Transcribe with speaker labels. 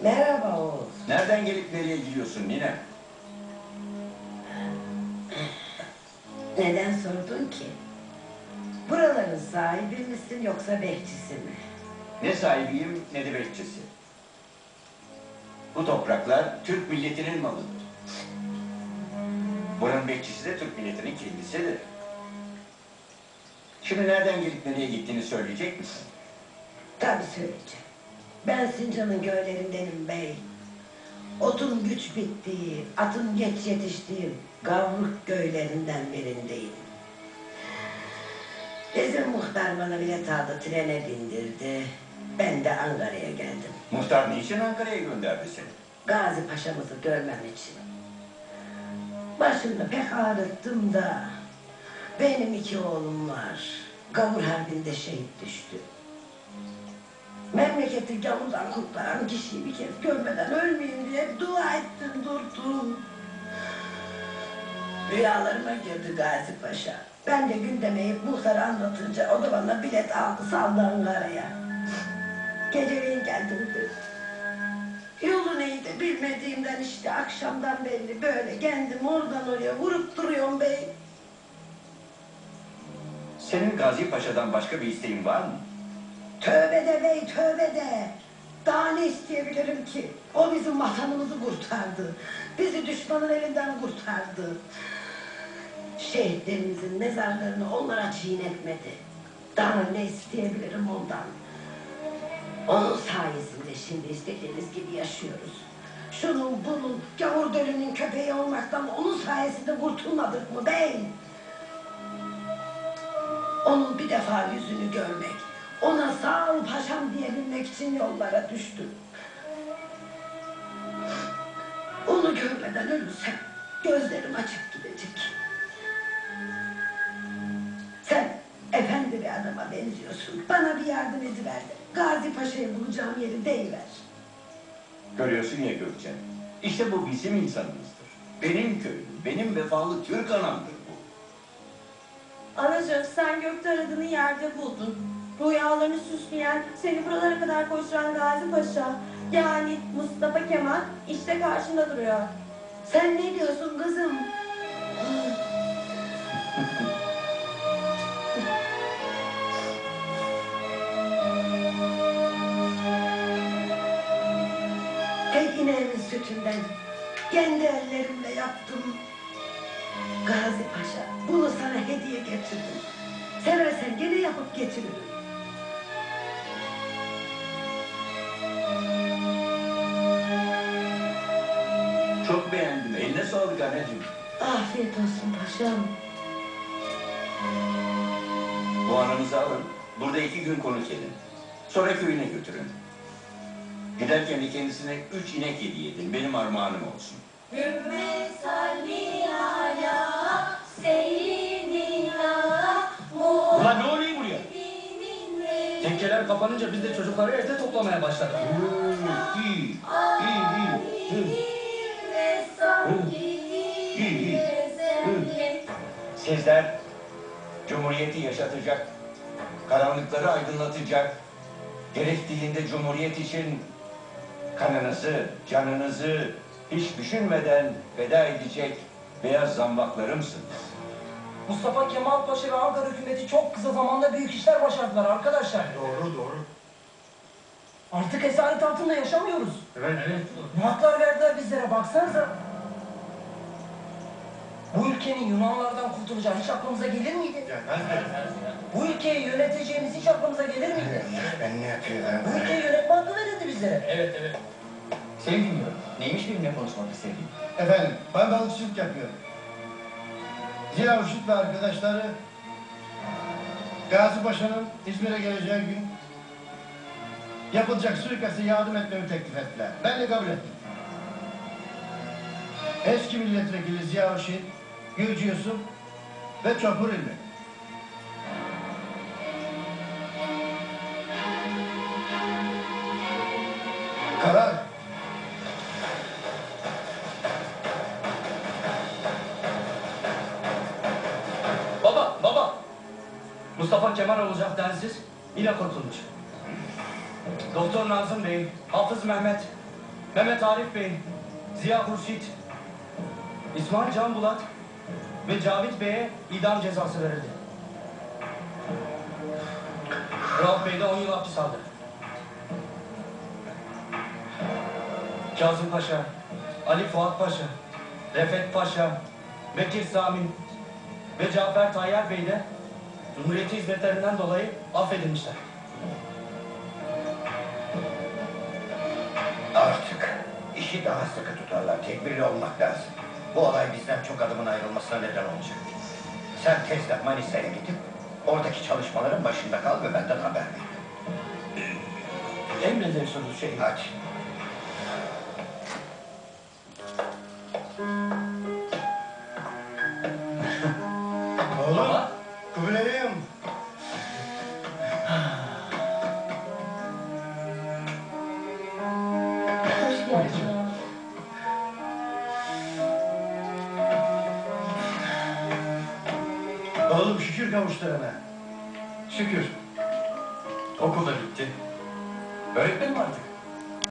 Speaker 1: Merhaba oğul.
Speaker 2: Nereden gelip nereye gidiyorsun nine?
Speaker 1: Neden sordun ki? Buraların sahibi misin yoksa bekçisi mi?
Speaker 2: Ne sahibiyim ne de bekçisi. Bu topraklar Türk milletinin malıdır. Buranın bekçisi de Türk milletinin kendisidir. Şimdi nereden gelip nereye gittiğini söyleyecek misin?
Speaker 1: Tabii söyleyeceğim. Ben Sincan'ın göllerindenim bey. Otun güç bittiği, atın geç yetiştiği Gavruk göllerinden birindeyim. Bizim muhtar bana bilet aldı, trene bindirdi. Ben de Ankara'ya geldim.
Speaker 2: Muhtar niçin Ankara'ya gönderdi seni?
Speaker 1: Gazi Paşa'mızı görmem için. Başımda pek ağrıttım da benim 2 oğlum var. Gavur Harbi'nde şehit düştü. Memleketi gavurdan kurtaran kişiyi bir kez görmeden ölmeyeyim diye dua ettim durdum. Rüyalarıma girdi Gazi Paşa. Ben de gündeme muhtarı anlatınca o da bana bilet aldı saldı Ankara'ya. Geceleyin geldim. Yolu neydi bilmediğimden işte akşamdan belli böyle kendim oradan oraya vurup duruyorum bey.
Speaker 2: Senin Gazi Paşa'dan başka bir isteğin var mı?
Speaker 1: Tövbe de bey tövbe de. Daha ne isteyebilirim ki? O bizim vatanımızı kurtardı. Bizi düşmanın elinden kurtardı. Şehitlerimizin mezarlarını onlara çiğnetmedi. Daha ne isteyebilirim ondan? Onun sayesinde şimdi istediğimiz gibi yaşıyoruz. Şunun bunun gavur dölünün köpeği olmaktan onun sayesinde kurtulmadık mı bey? Onun bir defa yüzünü görmek, ona sağ ol paşam diyebilmek için yollara düştüm. Onu görmeden ölürsem gözlerim açık gidecek. Sen efendi bir adama benziyorsun. Bana bir yardım ediver de Gazi Paşa'yı bulacağım yeri deyiver.
Speaker 2: Görüyorsun ya Gökçen. İşte bu bizim insanımızdır. Benim köyüm, benim vefalı Türk anamdır bu.
Speaker 3: Anacığım sen gökte aradığını yerde buldun. Rüyalarını süsleyen, seni buralara kadar koşturan Gazi Paşa, yani Mustafa Kemal işte karşında duruyor.
Speaker 1: Sen ne diyorsun kızım? Tek ineğimin sütünden kendi ellerimle yaptım. Gazi Paşa, bunu sana hediye getirdim. Seversen gene yapıp getiririm.
Speaker 2: Çok beğendim. Eline sağlık anneciğim.
Speaker 1: Afiyet olsun paşam.
Speaker 2: Bu anamızı alın. Burada 2 gün konuk edin. Sonra köyüne götürün. Giderken de kendisine 3 inek hediye edin. Benim armağanım olsun.
Speaker 3: Hümme salli ala seyyidina
Speaker 4: Ulan ne oluyor buraya? Tekkeler kapanınca biz de çocukları evde toplamaya başladık.
Speaker 2: İyi. Sizler Cumhuriyeti yaşatacak, karanlıkları aydınlatacak, gerektiğinde Cumhuriyet için kanınızı, canınızı hiç düşünmeden feda edecek beyaz zambaklarımsınız.
Speaker 4: Mustafa Kemal Paşa ve Ankara hükümeti çok kısa zamanda büyük işler başardılar arkadaşlar.
Speaker 5: Doğru.
Speaker 4: Artık esaret altında yaşamıyoruz.
Speaker 5: Evet.
Speaker 4: Ne haklar verdiler bizlere baksanıza. Bu ülkenin Yunanlardan kurtulacağı hiç aklımıza gelir miydi? Bu ülkeyi yöneteceğimiz hiç aklımıza gelir miydi?
Speaker 5: Ben ne yapıyorum?
Speaker 4: Bu ülkeyi yönetme hakkı verildi bizlere.
Speaker 5: Evet.
Speaker 6: Seni dinliyorum. Neymiş benimle konuşmak istediğin?
Speaker 5: Efendim, ben balıkçılık yapıyorum. Ziya Uşut ve arkadaşları Gazi Paşa'nın İzmir'e geleceği gün yapılacak suikaste yardım etmemi teklif ettiler. Ben de kabul ettim. Eski milletvekili Ziya Uşut, Gülcü Yusuf ve Çopur İlmi. Karar.
Speaker 4: Baba! Mustafa Kemal olacak densiz, yine kurtulmuş. Doktor Nazım Bey, Hafız Mehmet,
Speaker 7: Mehmet Arif Bey, Ziya Hurşit, İsmail Can Bulat ve Cavit Bey'e idam cezası verildi. Rauf Bey de 10 yıl hapis aldı. Kazım Paşa, Ali Fuat Paşa, Refet Paşa, Bekir Samin ve Cafer Tayyar Bey de Cumhuriyeti hizmetlerinden dolayı affedilmişler.
Speaker 8: Artık işi daha sıkı tutarlar. Tedbirli olmak lazım. Bu olay bizden çok adımın ayrılmasına neden olacak. Sen tezle Manisa'ya gidip oradaki çalışmaların başında kal ve benden haber ver.
Speaker 7: Emredersiniz şeyim.
Speaker 8: Hadi.
Speaker 5: Oğlum, Kubilay'ım.
Speaker 3: Hoş geldin.
Speaker 5: Oğlum şükür kavuşturana.
Speaker 2: Şükür. Okul da bitti. Öğretmenim artık.